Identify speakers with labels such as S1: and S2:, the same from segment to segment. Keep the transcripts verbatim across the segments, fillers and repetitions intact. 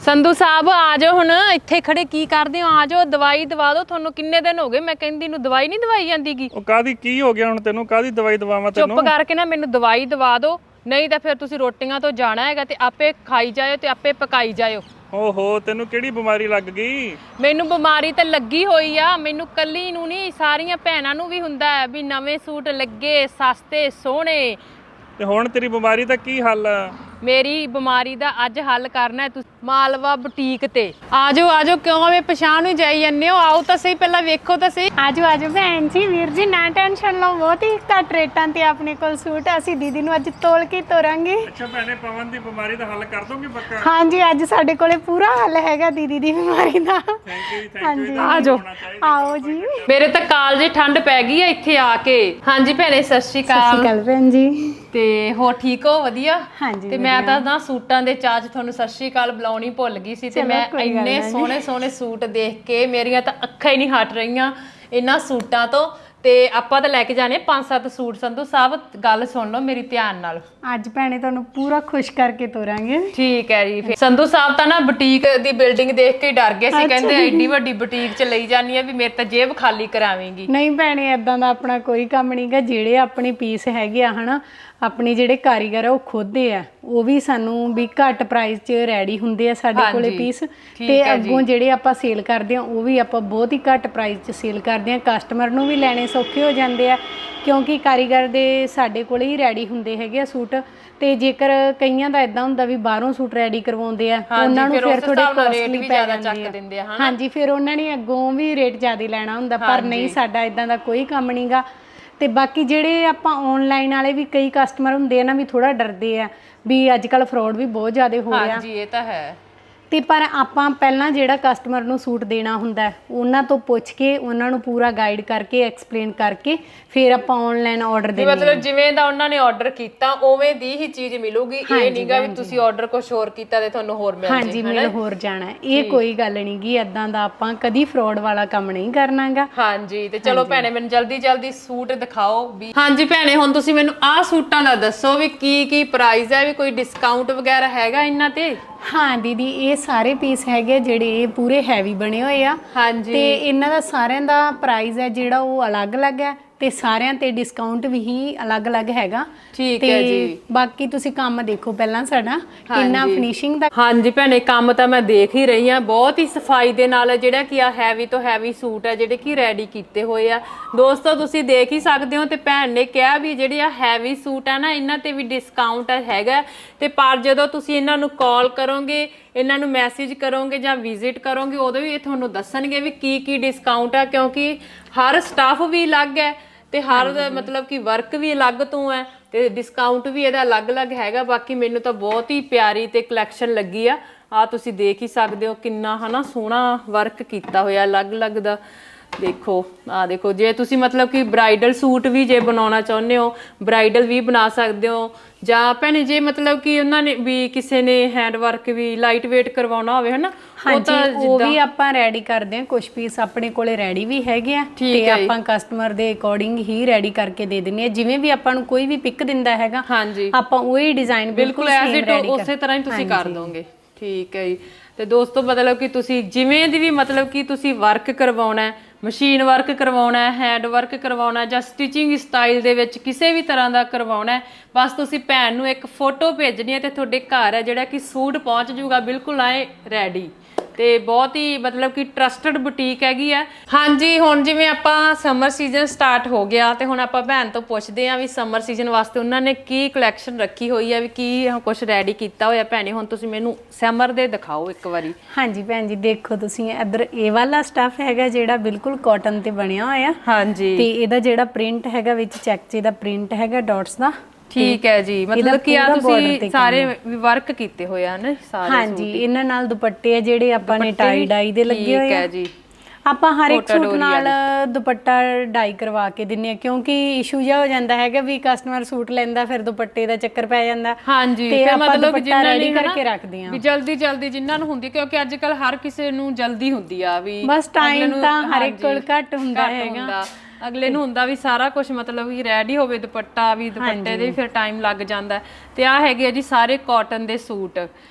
S1: ਸੰਧੂ ਸਾਹਿਬ ਆ ਜਾਓ ਹੁਣ ਇੱਥੇ ਖੜੇ ਕੀ ਕਰਦੇ ਹੋ ਆ ਜਾਓ ਦਵਾਈ ਦਵਾ ਦਿਓ ਤੁਹਾਨੂੰ ਕਿੰਨੇ ਦਿਨ ਹੋ ਗਏ ਮੈਂ ਕਹਿੰਦੀ ਨੂੰ ਦਵਾਈ ਨਹੀਂ ਦਵਾਈ ਜਾਂਦੀਗੀ
S2: ਉਹ ਕਾਦੀ ਕੀ ਹੋ ਗਿਆ ਹੁਣ ਤੈਨੂੰ ਕਾਦੀ ਦਵਾਈ ਦਵਾਵਾਂ ਤੈਨੂੰ
S1: ਚੁੱਪ ਕਰਕੇ ਨਾ ਮੈਨੂੰ ਦਵਾਈ ਦਵਾ ਦਿਓ ਨਹੀਂ ਤਾਂ ਫਿਰ ਤੁਸੀਂ ਰੋਟੀਆਂ ਤੋਂ ਜਾਣਾ ਹੈਗਾ ਤੇ ਆਪੇ ਖਾਈ ਜਾਇਓ ਤੇ ਆਪੇ ਪਕਾਈ ਜਾਇਓ
S2: ਓਹੋ ਤੈਨੂੰ ਕਿਹੜੀ ਬਿਮਾਰੀ ਲੱਗ ਗਈ
S1: ਮੈਨੂੰ ਬਿਮਾਰੀ ਤਾਂ ਲੱਗੀ ਹੋਈ ਆ ਮੈਨੂੰ ਕੱਲੀ ਨੂੰ ਨਹੀਂ ਸਾਰੀਆਂ ਭੈਣਾਂ ਨੂੰ ਵੀ ਹੁੰਦਾ ਹੈ ਵੀ ਨਵੇਂ ਸੂਟ ਲੱਗੇ ਸਸਤੇ ਸੋਹਣੇ
S2: ਤੇ ਹੁਣ ਤੇਰੀ ਬਿਮਾਰੀ ਦਾ ਕੀ ਹੱਲ ਆ
S1: ਮੇਰੀ ਬਿਮਾਰੀ ਦਾ ਅੱਜ ਹੱਲ ਕਰਨਾ ਹੈ ਤੁਸੀਂ ਮਾਲਵਾ ਬੁਟੀਕ ਤੇ ਆਜੋ ਆਜੋ ਕਿਉਂ ਐਵੇਂ ਪਛਾਣ ਨੂੰ ਜਾਈ ਜਾਂਦੇ ਹੋ ਆਓ ਤਾਂ ਸਹੀ ਪਹਿਲਾਂ ਵੇਖੋ ਤਾਂ ਸਹੀ
S3: ਆਜੋ ਆਜੋ ਭੈਣ ਜੀ ਵੀਰ ਜੀ ਨਾ ਟੈਨਸ਼ਨ ਲਓ ਬਹੁਤ ਹੀ ਘੱਟ ਰੇਟਾਂ ਤੇ ਆਪਣੇ ਕੋਲ ਸੂਟ ਅਸੀਂ ਦੀਦੀ ਨੂੰ ਅੱਜ ਤੋਲ ਕੇ ਤੋਰਾਂਗੇ
S2: ਅੱਛਾ ਭੈਣੇ ਪਵਨ ਦੀ ਬਿਮਾਰੀ ਦਾ ਹੱਲ ਕਰ ਦੋਗੇ ਪੱਕਾ
S3: ਹਾਂਜੀ ਅੱਜ ਸਾਡੇ ਕੋਲੇ ਪੂਰਾ ਹੱਲ ਹੈਗਾ ਦੀਦੀ ਦੀ ਬਿਮਾਰੀ ਦਾ
S2: ਥੈਂਕ ਯੂ ਥੈਂਕ
S3: ਹਾਂਜੀ
S1: ਆਜੋ
S3: ਆਓ ਜੀ
S1: ਮੇਰੇ ਤਾਂ ਕਾਲਜੇ ਠੰਡ ਪੈ ਗਈ ਆ ਇੱਥੇ ਆ ਕੇ ਹਾਂਜੀ ਭੈਣੇ ਸਤਿ ਸ਼੍ਰੀ
S3: ਸਤਿ
S1: ਅਕਾਲ
S3: ਸ਼੍ਰੀ ਅਕਾਲ ਭੈਣ ਜੀ
S1: ਤੇ ਹੋਰ ਠੀਕ ਹੋ ਵਧੀਆ
S3: ਹਾਂਜੀ
S1: ਤੇ ਮੈਂ ਤਾਂ ਨਾ ਸੂਟਾਂ ਦੇ ਚਾਰਜ ਤੁਹਾਨੂੰ ਸਤਿ ਸ਼੍ਰੀ ਅਕਾਲ ਬੁਲਾਉਣੀ ਭੁੱਲ ਗਈ ਸੀ ਤੇ ਮੈਂ ਇੰਨੇ ਸੋਹਣੇ ਸੋਹਣੇ ਸੂਟ ਦੇਖ ਕੇ ਮੇਰੀਆਂ ਤਾਂ ਅੱਖਾਂ ਹੀ ਨਹੀਂ ਹਟ ਰਹੀਆਂ ਇਹਨਾਂ ਸੂਟਾਂ ਤੋਂ ਤੇ ਆਪਾਂ ਤਾਂ ਲੈ ਕੇ ਜਾਣੇ ਪੰਜ ਸੱਤ ਸੂਟ ਸੰਧੂ ਸਾਹਿਬ ਗੱਲ ਸੁਣ ਲਓ ਮੇਰੀ ਧਿਆਨ ਨਾਲ
S3: ਅੱਜ ਭੈਣੇ ਤੁਹਾਨੂੰ ਪੂਰਾ ਖੁਸ਼ ਕਰਕੇ ਤੋਰਾਂਗੇ
S1: ਠੀਕ ਹੈ ਜੀ ਫਿਰ ਸੰਧੂ ਸਾਹਿਬ ਤਾਂ ਨਾ ਬੁਟੀਕ ਦੀ ਬਿਲਡਿੰਗ ਦੇਖ ਕੇ ਡਰ ਗਏ ਸੀ ਕਹਿੰਦੇ ਐਡੀ ਵੱਡੀ ਬੁਟੀਕ 'ਚ ਲਈ ਜਾਨੀ ਆ ਵੀ ਮੇਰੇ ਤਾਂ ਜੇਬ ਖਾਲੀ ਕਰਾਵੇਂਗੀ
S3: ਨਹੀਂ ਭੈਣੇ ਇਦਾਂ ਦਾ ਆਪਣਾ ਕੋਈ ਕੰਮ ਨਹੀਂਗਾ ਜਿਹੜੇ ਆਪਣੇ ਪੀਸ ਹੈਗੇ ਆ ਹਨਾ ਆਪਣੇ ਜਿਹੜੇ ਕਾਰੀਗਰ ਆ ਉਹ ਖੁਦਦੇ ਆ ਉਹ ਵੀ ਸਾਨੂੰ ਵੀ ਘੱਟ ਪ੍ਰਾਈਸ 'ਚ ਰੈਡੀ ਹੁੰਦੇ ਆ ਸਾਡੇ ਕੋਲੇ ਪੀਸ ਤੇ ਅੱਗੋਂ ਜਿਹੜੇ ਆਪਾਂ ਸੇਲ ਕਰਦੇ ਆ ਉਹ ਵੀ ਆਪਾਂ ਬਹੁਤ ਹੀ ਘੱਟ ਪ੍ਰਾਈਸ 'ਚ ਸੇਲ ਕਰਦੇ ਆ ਕਸਟਮਰ ਨੂੰ ਵੀ ਲੈਣੇ ਸੌਖੇ ਹੋ ਜਾਂਦੇ ਆ ਕਿਉਂਕਿ ਕਾਰੀਗਰ ਦੇ ਸਾਡੇ ਕੋਲੇ ਹੀ ਰੈਡੀ ਹੁੰਦੇ ਹੈਗੇ ਆ ਸੂਟ ਤੇ ਜੇਕਰ ਕਈਆਂ ਦਾ ਇਦਾਂ ਹੁੰਦਾ ਵੀ ਬਾਹਰੋਂ ਸੂਟ ਰੈਡੀ ਕਰਵਾਉਂਦੇ ਆ ਉਹਨਾਂ ਨੂੰ ਫਿਰ ਥੋੜੇ ਕਾਸਟਲੀ ਪੈ ਜਾਂਦੇ ਆ ਹਾਂਜੀ ਫਿਰ ਉਹਨਾਂ ਨੇ ਅੱਗੋਂ ਵੀ ਰੇਟ ਜ਼ਿਆਦਾ ਲੈਣਾ ਹੁੰਦਾ ਪਰ ਨਹੀਂ ਸਾਡਾ ਇਦਾਂ ਦਾ ਕੋਈ ਕੰਮ ਨਹੀਂਗਾ ਤੇ ਬਾਕੀ ਜਿਹੜੇ ਆਪਾਂ ਆਨਲਾਈਨ ਵਾਲੇ ਵੀ ਕਈ ਕਸਟਮਰ ਹੁੰਦੇ ਆ ਨਾ ਵੀ ਥੋੜਾ ਡਰਦੇ ਆ ਵੀ ਅੱਜ ਕੱਲ ਫਰਾਡ ਵੀ ਬਹੁਤ ਜ਼ਿਆਦਾ ਹੋ ਰਿਹਾ
S1: ਹਾਂਜੀ ਇਹ ਤਾਂ ਹੈ
S3: ਤੇ ਪਰ ਆਪਾਂ ਪਹਿਲਾਂ ਜਿਹੜਾ ਕਸਟਮਰ ਨੂੰ ਸੂਟ ਦੇਣਾ ਹੁੰਦਾ ਉਹਨਾਂ ਤੋਂ ਪੁੱਛ ਕੇ ਉਹਨਾਂ ਨੂੰ ਪੂਰਾ ਗਾਈਡ ਕਰਕੇ ਐਕਸਪਲੇਨ ਕਰਕੇ ਫਿਰ ਆਪਾਂ ਆਨਲਾਈਨ ਆਰਡਰ ਦੇਣਾ
S1: ਮਤਲਬ ਜਿਵੇਂ ਦਾ ਉਹਨਾਂ ਨੇ ਆਰਡਰ ਕੀਤਾ ਉਵੇਂ ਦੀ ਹੀ ਚੀਜ਼ ਮਿਲੂਗੀ ਇਹ ਨਹੀਂਗਾ ਵੀ ਤੁਸੀਂ ਆਰਡਰ ਕੁਝ ਹੋਰ ਕੀਤਾ ਤੇ ਤੁਹਾਨੂੰ ਹੋਰ ਮਿਲ ਜੇ
S3: ਹਾਂਜੀ ਮਿਲ ਹੋਰ ਜਾਣਾ ਇਹ ਕੋਈ ਗੱਲ ਨਹੀਂਗੀ ਇਦਾਂ ਦਾ ਆਪਾਂ ਕਦੀ ਫਰਾਡ ਵਾਲਾ ਕੰਮ ਨਹੀਂ ਕਰਨਾਗਾ
S1: ਹਾਂਜੀ ਤੇ ਚਲੋ ਭੈਣੇ ਮੈਨੂੰ ਜਲਦੀ ਜਲਦੀ ਸੂਟ ਦਿਖਾਓ ਵੀ ਹਾਂਜੀ ਭੈਣੇ ਹੁਣ ਤੁਸੀਂ ਮੈਨੂੰ ਆਹ ਸੂਟਾਂ ਦਾ ਦੱਸੋ ਵੀ ਕੀ ਕੀ ਪ੍ਰਾਈਸ ਹੈ ਵੀ ਕੋਈ ਡਿਸਕਾਊਂਟ ਵਗੈਰਾ ਹੈਗਾ ਇਹਨਾਂ ਤੇ
S3: ਹਾਂ ਦੀਦੀ ਇਹ ਸਾਰੇ ਪੀਸ ਹੈਗੇ ਜਿਹੜੇ ਇਹ ਪੂਰੇ ਹੈਵੀ ਬਣੇ ਹੋਏ ਆ
S1: ਹਾਂਜੀ
S3: ਤੇ ਇਹਨਾਂ ਦਾ ਸਾਰਿਆਂ ਦਾ ਪ੍ਰਾਈਸ ਹੈ ਜਿਹੜਾ ਉਹ ਅਲੱਗ-ਅਲੱਗ ਹੈ ਤੇ ਸਾਰਿਆਂ ਤੇ ਡਿਸਕਾਊਂਟ ਵੀ ਹੀ ਅਲੱਗ-ਅਲੱਗ ਹੈਗਾ
S1: ਠੀਕ ਹੈ ਜੀ
S3: ਬਾਕੀ ਤੁਸੀਂ ਕੰਮ ਦੇਖੋ ਪਹਿਲਾਂ ਸਾਡਾ ਕਿੰਨਾ ਫਿਨਿਸ਼ਿੰਗ ਦਾ
S1: ਹਾਂਜੀ ਭੈਣੇ ਕੰਮ ਤਾਂ ਮੈਂ ਦੇਖ ਹੀ ਰਹੀ ਆ ਬਹੁਤ ਹੀ ਸਫਾਈ ਦੇ ਨਾਲ ਜਿਹੜਾ ਕਿ ਆ ਹੈਵੀ ਤੋਂ ਹੈਵੀ ਸੂਟ ਹੈ ਜਿਹੜੇ ਕਿ ਰੈਡੀ ਕੀਤੇ ਹੋਏ ਆ ਦੋਸਤੋ ਤੁਸੀਂ ਦੇਖ ਹੀ ਸਕਦੇ ਹੋ ਤੇ ਭੈਣ ਨੇ ਕਿਹਾ ਵੀ ਜਿਹੜੇ ਆ ਹੈਵੀ ਸੂਟ ਆ ਨਾ ਇਹਨਾਂ ਤੇ ਵੀ ਡਿਸਕਾਊਂਟ ਹੈਗਾ ਤੇ ਪਰ ਜਦੋਂ ਤੁਸੀਂ ਇਹਨਾਂ ਨੂੰ ਕਾਲ ਕਰੋਗੇ ਇਹਨਾਂ ਨੂੰ ਮੈਸੇਜ ਕਰੋਗੇ ਜਾਂ ਵਿਜ਼ਿਟ ਕਰੋਗੇ ਉਦੋਂ ਵੀ ਇਹ ਤੁਹਾਨੂੰ ਦੱਸਣਗੇ ਵੀ ਕੀ ਕੀ ਡਿਸਕਾਊਂਟ ਆ ਕਿਉਂਕਿ ਹਰ ਸਟਾਫ ਵੀ ਅਲੱਗ ਹੈ ਤੇ ਹਰ ਮਤਲਬ ਕਿ ਵਰਕ ਵੀ ਅਲੱਗ ਤੋਂ ਹੈ ਤੇ ਡਿਸਕਾਊਂਟ ਵੀ ਇਹਦਾ ਅਲੱਗ-ਅਲੱਗ ਹੈਗਾ ਬਾਕੀ ਮੈਨੂੰ ਤਾਂ ਬਹੁਤ ਹੀ ਪਿਆਰੀ ਤੇ ਕਲੈਕਸ਼ਨ ਲੱਗੀ ਆ ਆ ਤੁਸੀਂ ਦੇਖ ਹੀ ਸਕਦੇ ਹੋ ਕਿੰਨਾ ਹਨਾ ਸੋਹਣਾ ਵਰਕ ਕੀਤਾ ਹੋਇਆ ਅਲੱਗ-ਅਲੱਗ ਦਾ ਦੇਖੋ ਆ ਦੇਖੋ ਜੇ ਤੁਸੀਂ ਮਤਲਬ ਕਿ ਬ੍ਰਾਈਡਲ ਸੂਟ ਵੀ ਜੇ ਬਣਾਉਣਾ ਚਾਹੁੰਦੇ ਹੋ ਬ੍ਰਾਈਡਲ ਵੀ ਬਣਾ ਸਕਦੇ ਹੋ ਜਾਂ ਭੈਣੇ ਜੇ ਮਤਲਬ ਕਿ ਉਹਨਾਂ ਨੇ ਵੀ ਕਿਸੇ ਨੇ ਹੈਂਡ ਵਰਕ ਵੀ ਲਾਈਟ ਵੇਟ ਕਰਵਾਉਣਾ ਹੋਵੇ ਹਨਾ
S3: ਉਹ ਤਾਂ ਉਹ ਵੀ ਆਪਾਂ ਰੈਡੀ ਕਰਦੇ ਆ ਕੁਝ ਪੀਸ ਆਪਣੇ ਕੋਲੇ ਰੈਡੀ ਵੀ ਹੈਗੇ ਆ ਤੇ ਆਪਾਂ ਕਸਟਮਰ ਦੇ ਅਕੋਰਡਿੰਗ ਹੀ ਰੈਡੀ ਕਰਕੇ ਦੇ ਦਿੰਨੇ ਆ ਜਿਵੇਂ ਵੀ ਆਪਾਂ ਨੂੰ ਕੋਈ ਵੀ ਪਿਕ ਦਿੰਦਾ ਹੈਗਾ ਆਪਾਂ ਉਹੀ ਡਿਜ਼ਾਈਨ ਬਿਲਕੁਲ
S1: ਐਜ਼ ਇਟ ਉਸੇ ਤਰ੍ਹਾਂ ਹੀ ਤੁਸੀਂ ਕਰ ਦੋਗੇ ਠੀਕ ਹੈ ਜੀ ਤੇ ਦੋਸਤੋ ਮਤਲਬ ਕਿ ਤੁਸੀਂ ਜਿਵੇਂ ਦੀ ਵੀ ਮਤਲਬ ਕਿ ਤੁਸੀਂ ਵਰਕ ਕਰਵਾਉਣਾ ਹੈ ਮਸ਼ੀਨ ਵਰਕ ਕਰਵਾਉਣਾ ਹੈ ਹੈਂਡ ਵਰਕ ਕਰਵਾਉਣਾ ਜਾਂ ਸਟਿਚਿੰਗ ਸਟਾਈਲ ਦੇ ਵਿੱਚ ਕਿਸੇ ਵੀ ਤਰ੍ਹਾਂ ਦਾ ਕਰਵਾਉਣਾ ਹੈ ਬਸ ਤੁਸੀਂ ਭੈਣ ਨੂੰ ਇੱਕ ਫੋਟੋ ਭੇਜਣੀ ਹੈ ਤੇ ਤੁਹਾਡੇ ਘਰ ਹੈ ਜਿਹੜਾ ਕਿ ਸੂਟ ਪਹੁੰਚ ਜਾਊਗਾ ਬਿਲਕੁਲ ਆਏ ਰੈਡੀ ਤੇ ਬਹੁਤ ਹੀ ਮਤਲਬ ਕਿ ਟਰਸਟਡ ਬੁਟੀਕ ਹੈਗੀ ਆ ਹਾਂਜੀ ਹੁਣ ਜਿਵੇਂ ਆਪਾਂ ਸਮਰ ਸੀਜ਼ਨ ਸਟਾਰਟ ਹੋ ਗਿਆ ਤੇ ਹੁਣ ਆਪਾਂ ਭੈਣ ਤੋਂ ਪੁੱਛਦੇ ਆਂ ਵੀ ਸਮਰ ਸੀਜ਼ਨ ਵਾਸਤੇ ਉਹਨਾਂ ਨੇ ਕੀ ਕਲੈਕਸ਼ਨ ਰੱਖੀ ਹੋਈ ਆ ਵੀ ਕੀ ਕੁਝ ਰੈਡੀ ਕੀਤਾ ਹੋਇਆ ਭੈਣੇ ਹੁਣ ਤੁਸੀਂ ਮੈਨੂੰ ਸਮਰ ਦੇ ਦਿਖਾਓ ਇੱਕ ਵਾਰੀ
S3: ਹਾਂਜੀ ਭੈਣ ਜੀ ਦੇਖੋ ਤੁਸੀਂ ਇੱਧਰ ਇਹ ਵਾਲਾ ਸਟਫ ਹੈਗਾ ਜਿਹੜਾ ਬਿਲਕੁਲ ਕਾਟਨ ਤੇ ਬਣਿਆ ਹੋਇਆ
S1: ਹਾਂਜੀ ਤੇ
S3: ਇਹਦਾ ਜਿਹੜਾ ਪ੍ਰਿੰਟ ਹੈਗਾ ਵਿੱਚ ਚੈੱਕ ਚ ਦਾ ਪ੍ਰਿੰਟ ਹੈਗਾ ਡਾਟਸ ਦਾ
S1: ਠੀਕ ਹੈ ਜੀ ਮਤਲਬ ਕਿ ਆ ਤੁਸੀਂ ਸਾਰੇ ਵਰਕ ਕੀਤੇ ਹੋਏ ਆ ਨਾ ਸਾਰੇ
S3: ਹਾਂਜੀ ਇਹਨਾਂ ਨਾਲ ਦੁਪੱਟੇ ਆ ਜਿਹੜੇ ਆਪਾਂ ਨੇ ਟਾਈ ਡਾਈ ਦੇ ਲੱਗੇ ਹੋਏ ਆ
S1: ਠੀਕ ਹੈ ਜੀ
S3: ਆਪਾਂ ਹਰ ਇੱਕ ਸੂਟ ਨਾਲ ਦੁਪੱਟਾ ਡਾਈ ਕਰਵਾ ਕੇ ਦਿੰਨੇ ਆ ਕਿਉਂਕਿ ਇਸ਼ੂ ਜਿਹਾ ਹੋ ਜਾਂਦਾ ਹੈਗਾ ਵੀ ਕਸਟਮਰ ਸੂਟ ਲੈਂਦਾ ਫਿਰ ਦੁਪੱਟੇ ਦਾ ਚੱਕਰ ਪੈ ਜਾਂਦਾ
S1: ਹਾਂਜੀ
S3: ਤੇ
S1: ਫਿਰ
S3: ਆਪਾਂ
S1: ਮਤਲਬ
S3: ਦੁਪੱਟਾ ਰੈਡੀ ਕਰਕੇ ਰੱਖਦੇ ਆ
S1: ਵੀ ਜਲਦੀ ਜਲਦੀ ਜਿਨ੍ਹਾਂ ਨੂੰ ਹੁੰਦੀ ਕਿਉਂਕਿ ਅੱਜ ਕੱਲ ਹਰ ਕਿਸੇ ਨੂੰ ਜਲਦੀ ਹੁੰਦੀ ਆ ਵੀ
S3: ਬਸ ਟਾਈਮ ਤਾਂ ਹਰ ਇੱਕ ਕੋਲ ਘੱਟ ਹੁੰਦਾ ਹੈਗਾ
S1: ਅਗਲੇ ਨੂੰ ਹੁੰਦਾ ਵੀ ਸਾਰਾ ਕੁਝ ਮਤਲਬ ਕਿ ਰੈਡੀ ਹੋਵੇ ਦੁਪੱਟਾ ਵੀ ਦੁਪੱਟੇ ਦੇ ਵੀ ਫਿਰ ਟਾਈਮ ਲੱਗ ਜਾਂਦਾ ਤੇ ਆ ਹੈਗੇ ਆ ਜੀ ਸਾਰੇ ਕਾਟਨ ਦੇ ਸੂਟ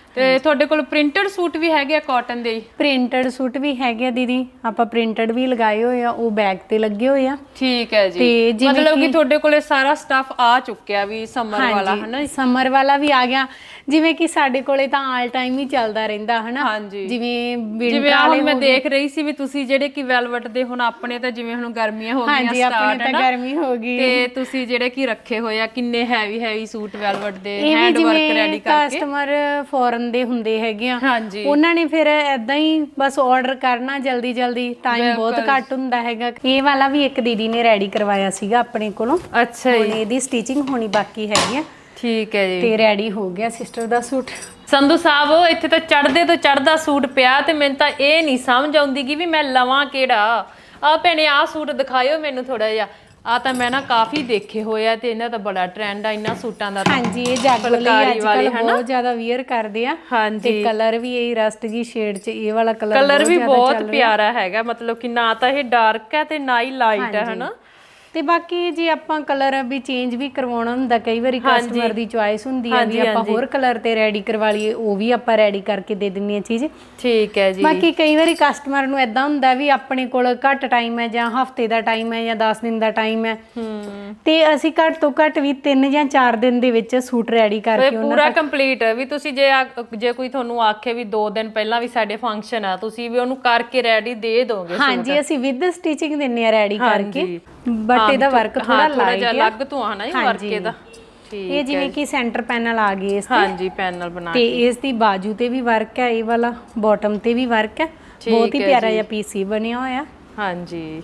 S1: ਤੇ ਤੁਹਾਡੇ ਕੋਲ ਪ੍ਰਿੰਟਡ ਸੂਟ ਵੀ ਹੈਗੇ ਆ ਕਾਟਨ ਦੇ?
S3: ਪ੍ਰਿੰਟਡ ਸੂਟ ਵੀ ਹੈਗੇ ਆ ਦੀਦੀ, ਆਪਾਂ ਪ੍ਰਿੰਟਡ ਵੀ ਲਗਾਏ ਹੋਏ ਆ, ਉਹ ਬੈਗ ਤੇ ਲੱਗੇ ਹੋਏ ਆ।
S1: ਠੀਕ ਹੈ ਜੀ।
S3: ਤੇ ਜਿਵੇਂ
S1: ਮਤਲਬ ਕਿ ਤੁਹਾਡੇ ਕੋਲੇ ਸਾਰਾ ਸਟਫ ਆ ਚੁੱਕਿਆ ਵੀ ਸਮਰ ਵਾਲਾ ਹਨਾ?
S3: ਸਮਰ ਵਾਲਾ ਵੀ ਆ ਗਿਆ, ਜਿਵੇਂ ਕਿ ਸਾਡੇ ਕੋਲੇ ਤਾਂ ਆਲ ਟਾਈਮ ਹੀ ਚੱਲਦਾ ਰਹਿੰਦਾ ਹਨਾ।
S1: ਹਾਂਜੀ।
S3: ਜਿਵੇਂ
S1: ਜਿਵੇਂ ਹੁਣ ਮੈਂ ਦੇਖ ਰਹੀ ਸੀ ਵੀ ਤੁਸੀਂ ਜਿਹੜੇ ਕਿ ਵੈਲਵਟ ਦੇ, ਹੁਣ ਆਪਣੇ ਤਾਂ ਜਿਵੇਂ ਹੁਣ ਗਰਮੀਆਂ ਹੋ ਗਈਆਂ
S3: ਹਾਂਜੀ ਆਪਣੇ ਤਾਂ ਗਰਮੀ ਹੋ ਗਈ,
S1: ਤੇ ਤੁਸੀਂ ਜਿਹੜੇ ਕਿ ਰੱਖੇ ਹੋਏ ਆ ਕਿੰਨੇ ਹੈਵੀ ਹੈਵੀ ਸੂਟ ਵੈਲਵਟ ਦੇ ਹੈਂਡ ਵਰਕ ਰੈਡੀ ਕਰਕੇ।
S3: ਕਸਟਮਰ ਫੋਰਨ ਦੇ ਹੁੰਦੇ ਹੈਗੇ ਆ,
S1: ਹਾਂਜੀ।
S3: ਉਹਨਾਂ ਨੇ ਫਿਰ ਐਦਾਂ ਹੀ ਬਸ ਆਰਡਰ ਕਰਨਾ ਜਲਦੀ ਜਲਦੀ, ਟਾਈਮ ਬਹੁਤ ਘੱਟ ਹੁੰਦਾ ਹੈਗਾ। ਇਹ ਵਾਲਾ ਵੀ ਇੱਕ ਦੀਦੀ ਨੇ ਰੈਡੀ ਕਰਵਾਇਆ ਸੀਗਾ ਆਪਣੇ ਕੋਲੋਂ।
S1: ਅੱਛਾ ਜੀ।
S3: ਇਹਦੀ ਸਟਿਚਿੰਗ ਹੋਣੀ ਬਾਕੀ ਹੈਗੀ ਆ।
S1: ਠੀਕ ਹੈ ਜੀ।
S3: ਤੇ ਰੈਡੀ ਹੋ ਗਿਆ ਸਿਸਟਰ ਦਾ ਸੂਟ।
S1: ਸੰਧੂ ਸਾਹਿਬ ਇੱਥੇ ਤਾਂ ਚੜਦੇ ਤੋਂ ਚੜਦਾ ਸੂਟ ਪਿਆ ਤੇ ਮੈਨੂੰ ਤਾਂ ਇਹ ਨਹੀਂ ਸਮਝ ਆਉਂਦੀ ਕਿ ਵੀ ਮੈਂ ਲਵਾਂ ਕਿਹੜਾ। ਆ ਭੈਣੇ ਆ ਸੂਟ ਦਿਖਾਇਓ ਮੈਨੂੰ ਥੋੜਾ ਜਿਹਾ। ਆ ਤਾਂ ਮੈਂ ਨਾ ਕਾਫੀ ਦੇਖੇ ਹੋਏ ਆ ਤੇ ਇਹਨਾਂ ਦਾ ਬੜਾ ਟ੍ਰੈਂਡ ਆ ਇਹਨਾਂ ਸੂਟਾਂ ਦਾ।
S3: ਹਾਂਜੀ ਇਹ ਜਾਗੋ ਲਈ ਅੱਜ ਕੱਲ ਬਹੁਤ ਜ਼ਿਆਦਾ ਵੀਅਰ ਕਰਦੇ ਆ। ਤੇ ਕਲਰ ਵੀ ਇਹ ਰਸਟ ਜੀ ਸ਼ੇਡ ਚ ਇਹ ਵਾਲਾ ਕਲਰ
S1: ਕਲਰ ਵੀ ਬਹੁਤ ਪਿਆਰਾ ਹੈਗਾ, ਮਤਲਬ ਕਿ ਨਾ ਤਾਂ ਇਹ ਡਾਰਕ ਹੈ ਤੇ ਨਾ ਹੀ ਲਾਈਟ ਹੈ ਹਨਾ। ਤੇ
S3: ਬਾਕੀ ਜੇ ਆਪਾਂ ਕਲਰ ਵੀ ਚੇਂਜ ਵੀ ਕਰਵਾਉਣਾ ਹੁੰਦਾ, ਕਈ ਵਾਰੀ ਕਸਟਮਰ ਦੀ ਚੁਆਇਸ ਹੁੰਦੀ ਆ ਵੀ ਆਪਾਂ ਹੋਰ ਕਲਰ ਤੇ ਰੈਡੀ ਕਰਵਾ ਲਈਏ, ਉਹ ਵੀ ਆਪਾਂ ਰੈਡੀ ਕਰਕੇ ਦੇ ਦਿੰਨੀ ਆ ਚੀਜ਼।
S1: ਠੀਕ ਹੈ ਜੀ।
S3: ਬਾਕੀ ਕਈ ਵਾਰੀ ਕਸਟਮਰ ਨੂੰ ਏਦਾਂ ਹੁੰਦਾ ਵੀ ਆਪਣੇ ਕੋਲ ਘੱਟ ਟਾਈਮ ਹੈ ਜਾਂ ਹਫਤੇ ਦਾ ਟਾਈਮ ਹੈ ਜਾਂ ਦਸ ਦਿਨ ਦਾ ਟਾਈਮ ਹੈ, ਤੇ ਅਸੀਂ ਘੱਟ ਤੋਂ ਘੱਟ ਵੀ ਤਿੰਨ ਜਾਂ ਚਾਰ ਦਿਨ ਦੇ ਵਿੱਚ ਸੂਟ ਰੈਡੀ ਕਰਕੇ ਉਹਨਾਂ
S1: ਪੂਰਾ ਕੰਪਲੀਟ ਵੀ ਤੁਸੀਂ ਜੇ ਜੇ ਕੋਈ ਤੁਹਾਨੂੰ ਆਖੇ ਵੀ ਦੋ ਦਿਨ ਪਹਿਲਾਂ ਵੀ ਸਾਡੇ ਫੰਕਸ਼ਨ ਆ, ਤੁਸੀਂ ਵੀ ਉਹਨੂੰ ਕਰਕੇ ਰੈਡੀ ਦੇ ਦੋਗੇ?
S3: ਹਾਂਜੀ ਅਸੀਂ ਵਿਦ ਸਟਿਚਿੰਗ ਦਿੰਨੇ ਆ ਰੈਡੀ ਕਰਕੇ, ਬਟ ਇਹਦਾ ਵਰਕ ਥੋੜਾ ਲਾਈਟ ਹੈ,
S1: ਅਲੱਗ ਤੋਂ ਆਣਾ ਹੈ ਵਰਕ ਇਹਦਾ।
S3: ਠੀਕ ਇਹ ਜਿਵੇਂ ਕਿ ਸੈਂਟਰ ਪੈਨਲ ਆ ਗਏ ਇਸ ਤੇ।
S1: ਹਾਂਜੀ ਪੈਨਲ ਬਣਾ
S3: ਤੇ ਇਸ ਦੀ ਬਾਜੂ ਤੇ ਵੀ ਵਰਕ ਹੈ, ਇਹ ਵਾਲਾ ਬਾਟਮ ਤੇ ਵੀ ਵਰਕ ਹੈ। ਬਹੁਤ ਹੀ ਪਿਆਰਾ ਜਿਹਾ ਪੀਸ ਹੀ ਬਣਿਆ ਹੋਇਆ।
S1: ਹਾਂਜੀ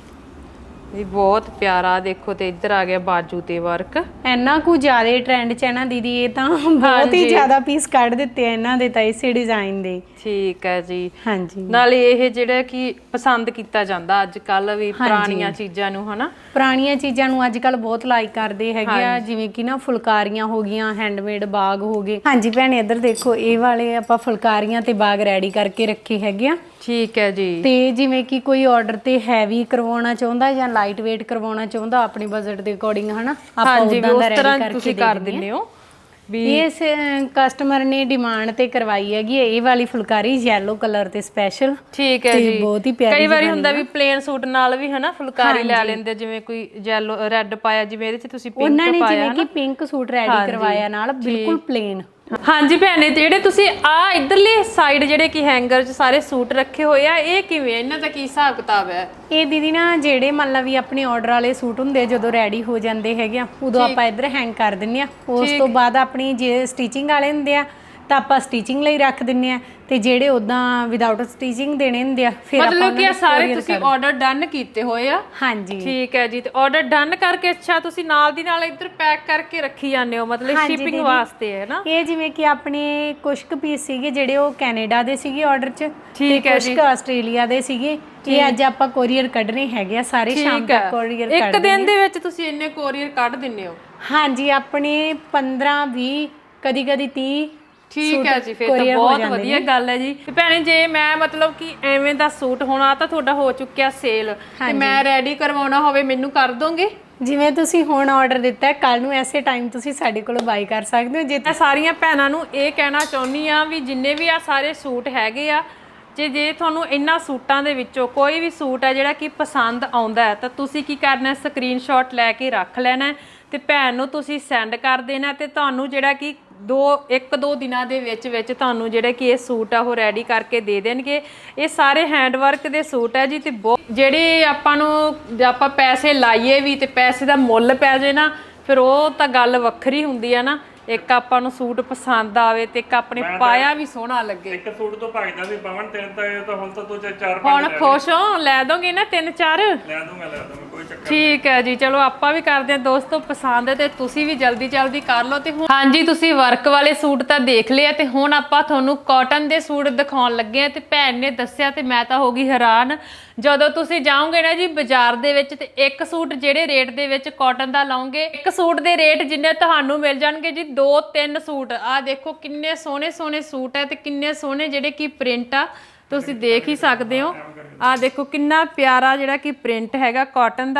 S1: ਇਹ ਬਹੁਤ ਪਿਆਰਾ। ਦੇਖੋ ਤੇ ਇੱਧਰ ਆ ਗਿਆ ਬਾਜੂ ਤੇ ਵਰਕ।
S3: ਇੰਨਾ ਕੁ ਜ਼ਿਆਦਾ ਟ੍ਰੈਂਡ ਚ ਹੈ ਨਾ ਦੀਦੀ, ਇਹ ਤਾਂ ਬਹੁਤ ਹੀ ਜ਼ਿਆਦਾ ਪੀਸ ਕੱਢ ਦਿੱਤੇ ਆ ਇਹਨਾਂ ਦੇ ਤਾਂ ਇਸੇ ਡਿਜ਼ਾਈਨ ਦੇ।
S1: ਠੀਕ ਹੈ ਜੀ।
S3: ਹਾਂਜੀ
S1: ਨਾਲੇ ਇਹ ਜਿਹੜਾ ਕਿ ਪਸੰਦ ਕੀਤਾ ਜਾਂਦਾ ਅੱਜ ਕੱਲ ਵੀ ਪੁਰਾਣੀਆਂ ਚੀਜ਼ਾਂ ਨੂੰ ਹਨਾ।
S3: ਪੁਰਾਣੀਆਂ ਚੀਜ਼ਾਂ ਨੂੰ ਅੱਜ ਕੱਲ ਬਹੁਤ ਲਾਈਕ ਕਰਦੇ ਹੈਗੇ ਆ, ਜਿਵੇਂ ਕਿ ਨਾ ਫੁਲਕਾਰੀਆਂ ਹੋ ਗਈਆਂ, ਹੈਂਡਮੇਡ ਬਾਗ ਹੋ ਗਏ। ਹਾਂਜੀ ਭੈਣੇ ਇੱਧਰ ਦੇਖੋ, ਇਹ ਵਾਲੇ ਆਪਾਂ ਫੁਲਕਾਰੀਆਂ ਤੇ ਬਾਗ ਰੈਡੀ ਕਰਕੇ ਰੱਖੇ ਹੈਗੇ ਆ।
S1: ਠੀਕ ਹੈ ਜੀ।
S3: ਤੇ ਜਿਵੇਂ ਕਿ ਕੋਈ ਆਰਡਰ ਤੇ ਹੈਵੀ ਕਰਵਾਉਣਾ ਚਾਹੁੰਦਾ ਜਾਂ ਲਾਈਟ ਵੇਟ ਕਰਵਾਉਣਾ ਚਾਹੁੰਦਾ ਆਪਣੇ ਬਜਟ ਦੇ ਅਕੋਰਡਿੰਗ ਹਨਾ, ਆਪਾਂ ਉਦਾਂ ਦਾ ਰੈਡੀ ਕਰਕੇ
S1: ਕਰ ਦਿੰਦੇ ਹੋ।
S3: ਵੀ ਇਸ ਕਸਟਮਰ ਨੇ ਡਿਮਾਂਡ ਤੇ ਕਰਵਾਈ ਹੈਗੀ ਇਹ ਵਾਲੀ ਫੁਲਕਾਰੀ ਯੈਲੋ ਕਲਰ ਤੇ ਸਪੈਸ਼ਲ।
S1: ਠੀਕ ਹੈ ਜੀ।
S3: ਬਹੁਤ ਹੀ ਪਿਆਰੀ।
S1: ਕਈ ਵਾਰੀ ਹੁੰਦਾ ਵੀ ਪਲੇਨ ਸੂਟ ਨਾਲ ਵੀ ਹਨਾ ਫੁਲਕਾਰੀ ਲੈ ਲੈਂਦੇ, ਜਿਵੇਂ ਕੋਈ ਯੈਲੋ ਰੈੱਡ ਪਾਇਆ, ਜਿਵੇਂ ਇਹਦੇ ਚ ਤੁਸੀਂ ਪਿੰਕ ਪਾਇਆ।
S3: ਉਹਨਾਂ ਨੇ ਜਿਵੇਂ ਕਿ ਪਿੰਕ ਸੂਟ ਰੈਡੀ ਕਰਵਾਇਆ ਨਾਲ ਬਿਲਕੁਲ ਪਲੇਨ।
S1: ਹਾਂਜੀ ਭੈਣੇ, ਜਿਹੜੇ ਤੁਸੀਂ ਆ ਇਧਰਲੇ ਸਾਈਡ ਜਿਹੜੇ ਕਿ ਹੈਂਗਰ 'ਚ ਸਾਰੇ ਸੂਟ ਰੱਖੇ ਹੋਏ ਆ, ਇਹ ਕਿਵੇਂ, ਇਹਨਾਂ ਦਾ ਕੀ ਹਿਸਾਬ ਕਿਤਾਬ ਹੈ?
S3: ਇਹ ਦੀਦੀ ਨਾ ਜਿਹੜੇ ਮੰਨ ਲਾ ਵੀ ਆਪਣੇ ਆਰਡਰ ਵਾਲੇ ਸੂਟ ਹੁੰਦੇ ਜਦੋਂ ਰੈਡੀ ਹੋ ਜਾਂਦੇ ਹੈਗੇ ਆ, ਉਦੋਂ ਆਪਾਂ ਇੱਧਰ ਹੈਂਗ ਕਰ ਦਿੰਨੇ ਆ। ਉਸ ਤੋਂ ਬਾਅਦ ਆਪਣੀ ਜੇ ਸਟਿਚਿੰਗ ਵਾਲੇ ਹੁੰਦੇ ਆ ਤਾਂ ਆਪਾਂ ਸਟਿਚਿੰਗ ਲਈ ਰੱਖ ਦਿੰਨੇ ਆ, ਤੇ ਜਿਹੜੇ ਉਦਾਂ ਵਿਦਆਊਟ ਸਟਿਚਿੰਗ ਦੇਣੇ ਹੁੰਦੇ ਆ ਫਿਰ ਆਪਾਂ
S1: ਮਤਲਬ ਕਿ ਸਾਰੇ ਤੁਸੀਂ ਆਰਡਰ ਡਨ ਕੀਤੇ ਹੋਏ ਆ?
S3: ਹਾਂਜੀ
S1: ਠੀਕ ਹੈ ਜੀ। ਤੇ ਆਰਡਰ ਡਨ ਕਰਕੇ ਅੱਛਾ ਤੁਸੀਂ ਨਾਲ ਦੀ ਨਾਲ ਇੱਧਰ ਪੈਕ ਕਰਕੇ ਰੱਖੀ ਜਾਂਦੇ ਹੋ, ਮਤਲਬ ਸ਼ਿਪਿੰਗ ਵਾਸਤੇ ਹੈ ਨਾ?
S3: ਇਹ ਜਿਵੇਂ ਕਿ ਆਪਣੇ ਕੁਝ ਕੁ ਪੀਸ ਸੀਗੇ ਜਿਹੜੇ ਉਹ ਕੈਨੇਡਾ ਦੇ ਸੀਗੇ ਆਰਡਰ 'ਚ, ਤੇ ਕੁਝ ਕੁ ਆਸਟ੍ਰੇਲੀਆ ਦੇ ਸੀਗੇ। ਇਹ ਅੱਜ ਆਪਾਂ ਕੋਰੀਅਰ ਕੱਢਣੇ ਹੈਗੇ ਆ ਸਾਰੇ, ਸ਼ਾਮ ਤੱਕ ਕੋਰੀਅਰ ਕੱਢ
S1: ਇੱਕ ਦਿਨ ਦੇ ਵਿੱਚ ਤੁਸੀਂ ਇੰਨੇ ਕੋਰੀਅਰ ਕੱਢ ਦਿੰਦੇ ਹੋ?
S3: ਹਾਂਜੀ ਆਪਣੇ ਪੰਦਰਾਂ ਵੀਹ ਕਦੀ ਕਦੀ ਤੀਹ।
S1: ਠੀਕ ਹੈ ਜੀ, ਫਿਰ ਤਾਂ ਬਹੁਤ ਵਧੀਆ ਗੱਲ ਹੈ ਜੀ। ਤੇ ਭੈਣੇ ਜੇ ਮੈਂ ਮਤਲਬ ਕਿ ਐਵੇਂ ਦਾ ਸੂਟ ਹੋਣਾ ਤਾਂ ਤੁਹਾਡਾ ਹੋ ਚੁੱਕਿਆ ਸੇਲ, ਤੇ ਮੈਂ ਰੈਡੀ ਕਰਵਾਉਣਾ ਹੋਵੇ ਮੈਨੂੰ ਕਰ ਦੋਗੇ?
S3: ਜਿਵੇਂ ਤੁਸੀਂ ਹੁਣ ਆਰਡਰ ਦਿੱਤਾ, ਕੱਲ ਨੂੰ ਐਸੇ ਟਾਈਮ ਤੁਸੀਂ ਸਾਡੇ ਕੋਲੋਂ ਬਾਈ ਕਰ ਸਕਦੇ ਹੋ। ਜੇ
S1: ਮੈਂ ਸਾਰੀਆਂ ਭੈਣਾਂ ਨੂੰ ਇਹ ਕਹਿਣਾ ਚਾਹੁੰਦੀ ਆ ਵੀ ਜਿੰਨੇ ਵੀ ਆ ਸਾਰੇ ਸੂਟ ਹੈਗੇ ਆ, ਜੇ ਜੇ ਤੁਹਾਨੂੰ ਇਹਨਾਂ ਸੂਟਾਂ ਦੇ ਵਿੱਚੋਂ ਕੋਈ ਵੀ ਸੂਟ ਹੈ ਜਿਹੜਾ ਕਿ ਪਸੰਦ ਆਉਂਦਾ ਤਾਂ ਤੁਸੀਂ ਕੀ ਕਰਨਾ, ਸਕਰੀਨਸ਼ਾਟ ਲੈ ਕੇ ਰੱਖ ਲੈਣਾ ਤੇ ਭੈਣ ਨੂੰ ਤੁਸੀਂ ਸੈਂਡ ਕਰ ਦੇਣਾ, ਤੇ ਤੁਹਾਨੂੰ ਜਿਹੜਾ ਕਿ ਦੋ ਇੱਕ ਦੋ ਦਿਨਾਂ ਦੇ ਵਿੱਚ ਵਿੱਚ ਤੁਹਾਨੂੰ ਜਿਹੜੇ ਕਿ ਇਹ ਸੂਟ ਆ ਉਹ ਰੈਡੀ ਕਰਕੇ ਦੇ ਦੇਣਗੇ। ਇਹ ਸਾਰੇ ਹੈਂਡ ਵਰਕ ਦੇ ਸੂਟ ਹੈ ਜੀ, ਤੇ ਜਿਹੜੇ ਆਪਾਂ ਨੂੰ ਆਪਾਂ ਪੈਸੇ ਲਾਈਏ ਵੀ ਤੇ ਪੈਸੇ ਦਾ ਮੁੱਲ ਪੈ ਜੇ ਨਾ, ਫਿਰ ਉਹ ਤਾਂ ਗੱਲ ਵੱਖਰੀ ਹੁੰਦੀ ਆ ਨਾ। ਇੱਕ ਆਪਾਂ ਨੂੰ ਸੂਟ ਪਸੰਦ ਆਵੇ ਤੇ ਇੱਕ ਆਪਣੇ ਪਾਇਆ ਵੀ ਸੋਹਣਾ ਲੱਗੇ।
S2: ਇੱਕ ਸੂਟ ਤੋਂ ਭੱਜਦਾ ਸੀ ਪਵਨ, ਤਿੰਨ ਤਾਂ ਇਹ ਤਾਂ ਹੁਣ ਤਾਂ ਤੂੰ ਚਾਰ ਪੰਜ
S1: ਹੁਣ ਖੁਸ਼ ਹੋ? ਲੈ ਦੋਗੇ ਨਾ ਤਿੰਨ ਚਾਰ?
S2: ਲੈ ਦੂੰਗਾ ਲੈ ਦੂੰਗਾ, ਕੋਈ ਚੱਕਰ।
S1: ਠੀਕ ਹੈ ਜੀ, ਚਲੋ ਆਪਾਂ ਵੀ ਕਰਦੇ ਹਾਂ ਦੋਸਤੋ ਪਸੰਦ, ਤੇ ਤੁਸੀਂ ਵੀ ਜਲਦੀ ਜਲਦੀ ਕਰ ਲਓ। ਤੇ ਹੁਣ ਹਾਂਜੀ ਤੁਸੀਂ ਵਰਕ ਵਾਲੇ ਸੂਟ ਤਾਂ ਦੇਖ ਲਿਆ, ਤੇ ਹੁਣ ਆਪਾਂ ਤੁਹਾਨੂੰ ਕਾਟਨ ਦੇ ਸੂਟ ਦਿਖਾਉਣ ਲੱਗੇ ਆ। ਤੇ ਭੈਣ ਨੇ ਦੱਸਿਆ ਤੇ ਮੈਂ ਤਾਂ ਹੋ ਗਈ ਹੈਰਾਨ, ਜਦੋਂ ਤੁਸੀਂ ਜਾਓਗੇ ਨਾ ਜੀ ਬਾਜ਼ਾਰ ਦੇ ਵਿੱਚ, ਤੇ ਇੱਕ ਸੂਟ ਜਿਹੜੇ ਰੇਟ ਦੇ ਵਿੱਚ ਕਾਟਨ ਦਾ ਲਾਓਗੇ, ਇੱਕ ਸੂਟ ਦੇ ਰੇਟ ਜਿੰਨੇ ਤੁਹਾਨੂੰ ਮਿਲ ਜਾਣਗੇ ਜੀ ਦੋ ਤਿੰਨ ਸੂਟ। ਆਹ ਦੇਖੋ ਕਿੰਨੇ ਸੋਹਣੇ ਸੋਹਣੇ ਸੂਟ ਹੈ, ਤੇ ਕਿੰਨੇ ਸੋਹਣੇ ਜਿਹੜੇ ਕਿ ਪ੍ਰਿੰਟ ਆ, ਤੁਸੀਂ ਦੇਖ ਹੀ ਸਕਦੇ ਹੋ। ਆਹ ਦੇਖੋ ਕਿੰਨਾ ਪਿਆਰਾ ਜਿਹੜਾ ਕਿ ਪ੍ਰਿੰਟ ਹੈਗਾ ਕਾਟਨ ਦਾ।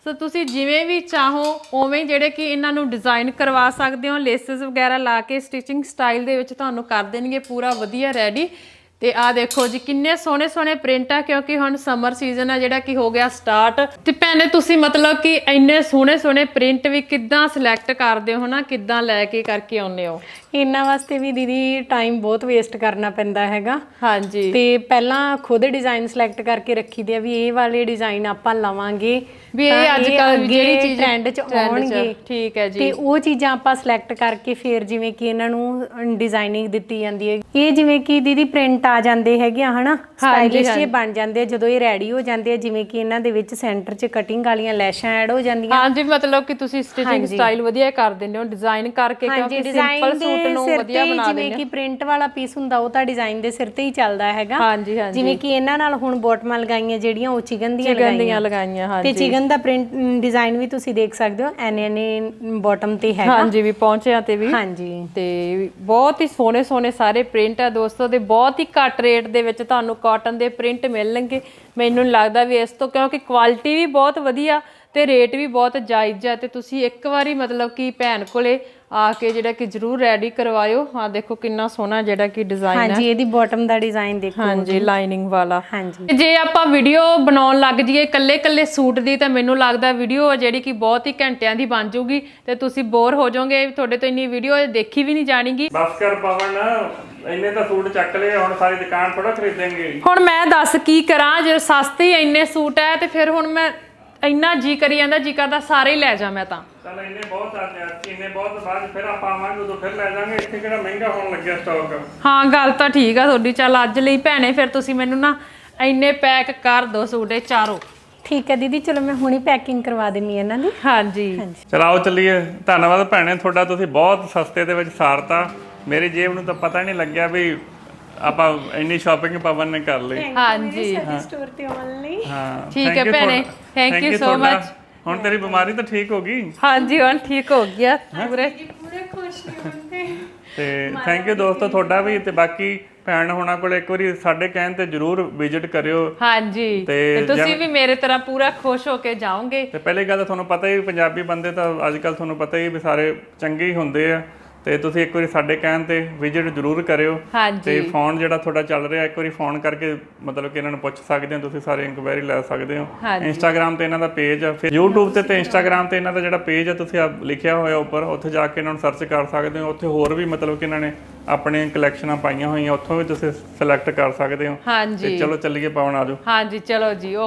S1: ਸੋ ਤੁਸੀਂ ਜਿਵੇਂ ਵੀ ਚਾਹੋ ਉਵੇਂ ਜਿਹੜੇ ਕਿ ਇਹਨਾਂ ਨੂੰ ਡਿਜ਼ਾਈਨ ਕਰਵਾ ਸਕਦੇ ਹੋ, ਲੇਸਿਸ ਵਗੈਰਾ ਲਾ ਕੇ ਸਟਿਚਿੰਗ ਸਟਾਈਲ ਦੇ ਵਿੱਚ ਤੁਹਾਨੂੰ ਕਰ ਦੇਣਗੇ ਪੂਰਾ ਵਧੀਆ ਰੈਡੀ। ਤੇ ਆ ਦੇਖੋ ਜੀ ਕਿੰਨੇ ਸੋਹਣੇ ਸੋਹਣੇ ਪ੍ਰਿੰਟ ਆ, ਕਿਉਂਕਿ ਹੁਣ ਸਮਰ ਸੀਜ਼ਨ ਆ ਜਿਹੜਾ ਕਿ ਹੋ ਗਿਆ ਸਟਾਰਟ। ਤੇ ਭੈਣੇ ਤੁਸੀਂ ਮਤਲਬ ਕਿ ਇੰਨੇ ਸੋਹਣੇ ਸੋਹਣੇ ਪ੍ਰਿੰਟ ਵੀ ਕਿੱਦਾਂ ਸਿਲੈਕਟ ਕਰਦੇ ਹੋ ਨਾ, ਕਿੱਦਾਂ ਲੈ ਕੇ ਕਰਕੇ ਆਉਂਦੇ ਹੋ?
S3: ਇਹਨਾਂ ਵਾਸਤੇ ਵੀ ਦੀਦੀ ਟਾਈਮ ਬਹੁਤ ਵੇਸਟ ਕਰਨਾ ਪੈਂਦਾ ਹੈਗਾ।
S1: ਹਾਂਜੀ,
S3: ਤੇ ਪਹਿਲਾਂ ਖੁਦ ਡਿਜ਼ਾਈਨ ਸਿਲੈਕਟ ਕਰਕੇ ਰੱਖੀਦੇ ਆ ਵੀ ਇਹ ਵਾਲੇ ਡਿਜ਼ਾਈਨ ਆਪਾਂ ਲਵਾਂਗੇ
S1: ਵੀ ਇਹ ਅੱਜ ਕੱਲ ਜਿਹੜੀ ਚੀਜ਼
S3: ਟ੍ਰੈਂਡ 'ਚ ਆਉਣਗੇ।
S1: ਠੀਕ ਹੈ ਜੀ।
S3: ਤੇ ਉਹ ਚੀਜ਼ਾਂ ਆਪਾਂ ਸਿਲੈਕਟ ਕਰਕੇ ਫਿਰ ਜਿਵੇਂ ਕਿ ਇਹਨਾਂ ਨੂੰ ਡਿਜ਼ਾਈਨਿੰਗ ਦਿੱਤੀ ਜਾਂਦੀ ਹੈ। ਇਹ ਜਿਵੇਂ ਕਿ ਦੀਦੀ ਪ੍ਰਿੰਟ ਆ ਜਾਂਦੇ ਹੈਗੇ ਆ ਹਨਾ, ਸਟਾਈਲਿਸ਼ ਜੇ ਬਣ ਜਾਂਦੇ ਆ ਜਦੋਂ ਇਹ ਰੈਡੀ ਹੋ ਜਾਂਦੇ ਆ। ਜਿਵੇਂ ਕਿ ਇਹਨਾਂ ਦੇ ਵਿੱਚ ਸੈਂਟਰ 'ਚ ਕਟਿੰਗ ਵਾਲੀਆਂ ਲੈਸ਼ਾਂ ਐਡ ਹੋ ਜਾਂਦੀਆਂ।
S1: ਹਾਂਜੀ, ਮਤਲਬ ਕਿ ਤੁਸੀਂ ਸਟਿਚਿੰਗ ਸਟਾਈਲ ਵਧੀਆ ਕਰ ਦਿੰਦੇ ਹੋ ਡਿਜ਼ਾਈਨ ਕਰਕੇ, ਕਿਉਂਕਿ ਸਿੰਪਲ ਸੂਟ ਨੂੰ ਵਧੀਆ ਬਣਾ ਦਿੰਦੇ ਹੋ।
S3: ਜਿਵੇਂ ਕਿ ਪ੍ਰਿੰਟ ਵਾਲਾ ਪੀਸ ਹੁੰਦਾ ਉਹ ਤਾਂ ਡਿਜ਼ਾਈਨ ਦੇ ਸਿਰ ਤੇ ਹੀ ਚੱਲਦਾ ਹੈਗਾ।
S1: ਹਾਂਜੀ ਹਾਂਜੀ,
S3: ਜਿਵੇਂ ਕਿ ਇਹਨਾਂ ਨਾਲ ਹੁਣ ਬੋਟਮਾਂ ਲਗਾਈਆਂ ਜਿਹੜੀਆਂ ਉਹ ਚਿਕਨ ਦੀਆਂ
S1: ਲਗਾਈਆਂ ਲਗਾਈਆਂ ਹਾਂਜੀ।
S3: ਤੇ ਚਿਕਨ ਦਾ ਪ੍ਰਿੰਟ ਡਿਜ਼ਾਈਨ ਵੀ ਤੁਸੀਂ ਦੇਖ ਸਕਦੇ ਹੋ, ਐਨੇ ਐਨੇ ਬਾਟਮ ਤੇ ਹੈਗਾ।
S1: ਹਾਂਜੀ, ਵੀ ਪਹੁੰਚਿਆ ਤੇ ਵੀ।
S3: ਹਾਂਜੀ,
S1: ਤੇ ਬਹੁਤ ਹੀ ਸੋਹਣੇ ਸੋਹਣੇ ਸਾਰੇ ਪ੍ਰਿੰਟ ਆ ਦੋਸਤੋ, ਤੇ ਬਹੁਤ ਹੀ ਘੱਟ ਰੇਟ ਦੇ ਵਿੱਚ ਤੁਹਾਨੂੰ ਕਾਟਨ ਦੇ ਪ੍ਰਿੰਟ ਮਿਲਣਗੇ। ਮੈਨੂੰ ਲੱਗਦਾ ਵੀ ਇਸ ਤੋਂ, ਕਿਉਂਕਿ ਕੁਆਲਿਟੀ ਵੀ ਬਹੁਤ ਵਧੀਆ ਤੇ ਰੇਟ ਵੀ ਬਹੁਤ ਜਾਇਜ਼ ਆ। ਤੇ ਤੁਸੀਂ ਇੱਕ ਵਾਰੀ ਮਤਲਬ ਕਿ ਭੈਣ ਕੋਲੇ ਆ ਕੇ ਜਿਹੜਾ ਕਿ ਜ਼ਰੂਰ ਰੈਡੀ ਕਰਵਾਇਓ। ਆ ਦੇਖੋ ਕਿੰਨਾ ਸੋਹਣਾ ਜਿਹੜਾ ਕਿ ਡਿਜ਼ਾਈਨ ਹੈ।
S3: ਹਾਂਜੀ, ਇਹਦੀ ਬਾਟਮ ਦਾ ਡਿਜ਼ਾਈਨ ਦੇਖੋ।
S1: ਹਾਂਜੀ, ਲਾਈਨਿੰਗ ਵਾਲਾ।
S3: ਹਾਂਜੀ,
S1: ਜੇ ਆਪਾਂ ਵੀਡੀਓ ਬਣਾਉਣ ਲੱਗ ਜਾਈਏ ਕੱਲੇ ਕੱਲੇ ਸੂਟ ਦੀ, ਤਾਂ ਮੈਨੂੰ ਲੱਗਦਾ ਵੀਡੀਓ ਜਿਹੜੀ ਕਿ ਬਹੁਤ ਹੀ ਘੰਟਿਆਂ ਦੀ ਬਣ ਜਾਊਗੀ ਤੇ ਤੁਸੀਂ ਬੋਰ ਹੋ ਜਾਓਗੇ। ਤੁਹਾਡੇ ਤੋਂ ਇੰਨੀ ਵੀਡੀਓ ਦੇਖੀ ਵੀ ਨਹੀਂ ਜਾਣੀਗੀ।
S2: ਬਸ ਕਰ ਪਵਨ, ਇੰਨੇ ਤਾਂ ਸੂਟ ਚੱਕ ਲਏ, ਹੁਣ ਸਾਰੀ ਦੁਕਾਨ ਥੋੜਾ ਖਰੀਦੇਂਗੇ।
S1: ਹੁਣ ਮੈਂ ਦੱਸ ਕੀ ਕਰਾਂ, ਜੇ ਸਸਤੇ ਇੰਨੇ ਸੂਟ ਹੈ ਤੇ ਫਿਰ ਹੁਣ ਮੈਂ ਇੰਨਾ ਜੀ ਕਰੀ ਜਾਂਦਾ, ਜੀ ਕਰਦਾ ਸਾਰੇ ਹੀ ਲੈ ਜਾ ਮੈਂ ਤਾਂ।
S2: ਚੱਲ ਇੰਨੇ ਬਹੁਤ ਆ ਤੇ ਇੰਨੇ ਬਹੁਤ ਬਾਅਦ ਫਿਰ ਆਪਾਂ ਆਵਾਂਗੇ ਉਦੋਂ ਫਿਰ ਲੈ ਜਾਾਂਗੇ। ਇੱਥੇ ਕਿਹੜਾ ਮਹਿੰਗਾ ਹੋਣ ਲੱਗਿਆ ਸਟਾਕ।
S1: ਹਾਂ, ਗੱਲ ਤਾਂ ਠੀਕ ਆ ਤੁਹਾਡੀ। ਚੱਲ ਅੱਜ ਲਈ ਭੈਣੇ ਫਿਰ ਤੁਸੀਂ ਮੈਨੂੰ ਨਾ ਇੰਨੇ ਪੈਕ ਕਰ ਦੋ ਸੂਟ ਇਹ ਚਾਰੋਂ।
S3: ਠੀਕ ਹੈ ਦੀਦੀ, ਚਲੋ ਮੈਂ ਹੁਣੀ ਪੈਕਿੰਗ ਕਰਵਾ ਦਿੰਨੀ ਇਹਨਾਂ ਦੀ।
S1: ਹਾਂਜੀ,
S2: ਚਲ ਆਓ ਚੱਲੀਏ। ਧੰਨਵਾਦ ਭੈਣੇ ਤੁਹਾਡਾ, ਤੁਸੀਂ ਬਹੁਤ ਸਸਤੇ ਦੇ ਵਿੱਚ ਸਾਰਤਾ। ਮੇਰੀ ਜੇਬ ਨੂੰ ਤਾਂ ਪਤਾ ਹੀ ਨਹੀਂ ਲੱਗਿਆ ਵੀ ਆਪਾਂ ਇੰਨੀ ਸ਼ਾਪਿੰਗ ਪਵਨ ਨੇ ਕਰ ਲਈ।
S1: ਹਾਂਜੀ,
S3: ਸਟੋਰ ਤੇ ਆਉਣ ਲਈ।
S2: ਹਾਂ,
S1: ਠੀਕ ਹੈ ਭੈਣੇ, ਥੈਂਕ ਯੂ ਸੋ ਮਚ।
S2: ਹੁਣ ਤੇਰੀ ਬਿਮਾਰੀ ਤਾਂ ਠੀਕ ਹੋ ਗਈ?
S1: ਹਾਂਜੀ, ਹੁਣ ਠੀਕ ਹੋ ਗਿਆ ਪੂਰੇ
S3: ਪੂਰੇ ਖੁਸ਼ ਨਹੀਂ ਹੁੰਦੇ।
S2: ਤੇ ਥੈਂਕ ਯੂ ਦੋਸਤੋ ਤੁਹਾਡਾ ਵੀ। ਤੇ ਬਾਕੀ ਭੈਣ ਹੋਣਾ ਕੋਲ ਇੱਕ ਵਾਰੀ ਸਾਡੇ ਕਹਿਣ ਤੇ ਜਰੂਰ ਵਿਜ਼ਿਟ ਕਰਿਓ।
S1: ਹਾਂਜੀ, ਤੇ ਤੁਸੀਂ ਵੀ ਮੇਰੇ ਤਰ੍ਹਾਂ ਪੂਰਾ ਖੁਸ਼ ਹੋ ਕੇ ਜਾਓਗੇ।
S2: ਤੇ ਪਹਿਲੀ ਗੱਲ ਤਾਂ ਤੁਹਾਨੂੰ ਪਤਾ ਹੀ, ਪੰਜਾਬੀ ਬੰਦੇ ਤਾਂ ਅੱਜ ਕੱਲ ਤੁਹਾਨੂੰ ਪਤਾ ਹੀ ਵੀ ਸਾਰੇ ਚੰਗੇ ਹੀ ਹੁੰਦੇ ਆ। ਤੇ ਤੁਸੀਂ ਇੱਕ ਵਾਰੀ ਸਾਡੇ ਕਹਿਣ ਤੇ ਵਿਜ਼ਿਟ ਜ਼ਰੂਰ ਕਰਿਓ। ਤੇ ਫੋਨ ਜਿਹੜਾ ਤੁਹਾਡਾ ਚੱਲ ਰਿਹਾ, ਇੱਕ ਵਾਰੀ ਫੋਨ ਕਰਕੇ ਮਤਲਬ ਕਿ ਇਹਨਾਂ ਨੂੰ ਪੁੱਛ ਸਕਦੇ ਹੋ, ਤੁਸੀਂ ਸਾਰੇ ਇਨਕੁਆਇਰੀ ਲੈ ਸਕਦੇ ਹੋ। ਇੰਸਟਾਗ੍ਰਾਮ ਤੇ ਇਹਨਾਂ ਦਾ ਪੇਜ ਆ, ਫਿਰ YouTube ਤੇ ਤੇ ਇੰਸਟਾਗ੍ਰਾਮ ਤੇ ਇਹਨਾਂ ਦਾ ਜਿਹੜਾ ਪੇਜ ਆ ਤੁਸੀਂ ਲਿਖਿਆ ਹੋਇਆ ਉੱਪਰ, ਉੱਥੇ ਜਾ ਕੇ ਇਹਨਾਂ ਨੂੰ ਸਰਚ ਕਰ ਸਕਦੇ ਹੋ। ਉੱਥੇ ਹੋਰ ਵੀ ਮਤਲਬ ਕਿ ਇਹਨਾਂ ਨੇ ਆਪਣੀਆਂ ਕਲੈਕਸ਼ਨਾਂ ਪਾਈਆਂ ਹੋਈਆਂ, ਉੱਥੋਂ ਵੀ ਤੁਸੀਂ ਸਿਲੈਕਟ ਕਰ ਸਕਦੇ ਹੋ।
S1: ਹਾਂਜੀ,
S2: ਤੇ ਚਲੋ ਚੱਲੀਏ ਪਵਨ, ਆਜੋ।
S1: ਹਾਂਜੀ, ਚਲੋ ਜੀ।